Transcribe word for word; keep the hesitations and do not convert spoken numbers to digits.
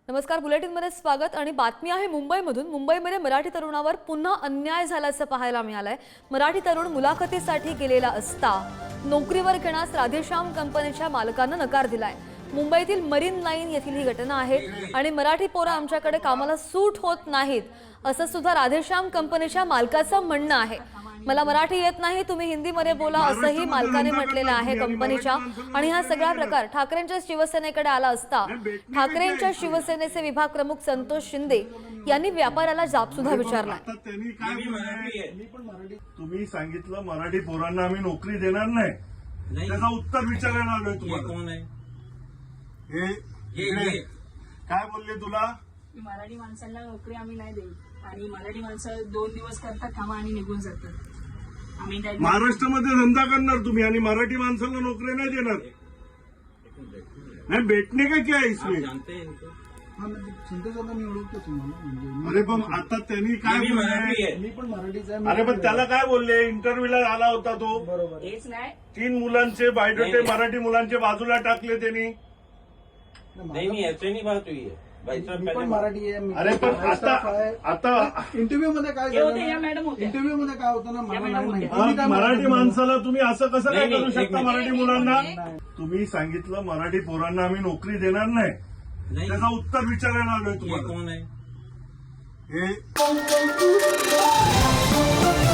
नमस्कार, बुलेटिनमध्ये स्वागत आणि बातमी आहे मुंबईमधून। मुंबईमध्ये मराठी तरुणावर पुन्हा अन्याय झाल्याचं पाहायला मिळालंय। मराठी तरुण मुलाखतीसाठी गेलेला असता नोकरीवर घेण्यास राधेश्याम कंपनीच्या मालकांना नकार दिलाय। मुंबईतील मरीन लाईन येथील ही घटना आहे आणि मराठी पोरं आमच्याकडे कामाला सूट होत नाहीत असं सुद्धा राधेश्याम कंपनीच्या मालकाचं म्हणणं आहे। मला मराठी येत नाही, तुम्ही हिंदीमध्ये बोला असंही मालकाने म्हटलेलं आहे कंपनीच्या। आणि हा सगळा प्रकार ठाकरेंच्या शिवसेनेकडे आला असता ठाकरेंच्या शिवसेनेचे विभाग प्रमुख संतोष शिंदे यांनी व्यापाऱ्याला जाब सुद्धा विचारला। तुम्ही सांगितलं मराठी पोरांना आम्ही नोकरी देणार नाही, त्याचं उत्तर विचारायला आलोय तुम्हाला। कोण आहे हे काय बोलले तुला? मराठी माणसांना नोकरी आम्ही नाही देऊ आणि मराठी माणसं दोन दिवस करतात कामा आणि निघून जातात। आम्ही महाराष्ट्रामध्ये धंदा करणार तुम्ही आणि मराठी माणसाला नोकरी नाही देणार? नाही भेटणे का क्या इसमें? जानते हैं इनको? संतोषांना मी ओळखतो तुम्हाला म्हणजे अरे पण आता त्यांनी काय मी मराठी बोलले? आहे. मी पण मराठीचा आहे. अरे पण त्याला काय बोलले? इंटरव्ह्यूला आला होता तो, बरोबर हेच नाही तीन मुलांचे बायोडेटे मराठी मुलांचे बाजूला टाकले त्यांनी। नहीं नहीं ऐसे नहीं बात हुई है भाई साहब। मी पण पहले मराठी आहे। मी अरे पण पण आता staff आहे. आता इंटरव्ह्यू मध्ये काय हे होते, या मॅडम होत्या. इंटरव्ह्यू मध्ये काय होतं ना मला या नाही मॅडम माहिती। होत्या. तुम्ही काय मराठी म्हणता? माणसाला तुम्ही असं कसं काय नाही, करू नाही, शकता? एक मराठी मिनिट. मुलांना नाही. तुम्ही सांगितलं मराठी पोरांना आम्ही नोकरी देणार नाही, नहीं त्याचं उत्तर विचारायला आलोय ये तुम्हाला। कौन है? हे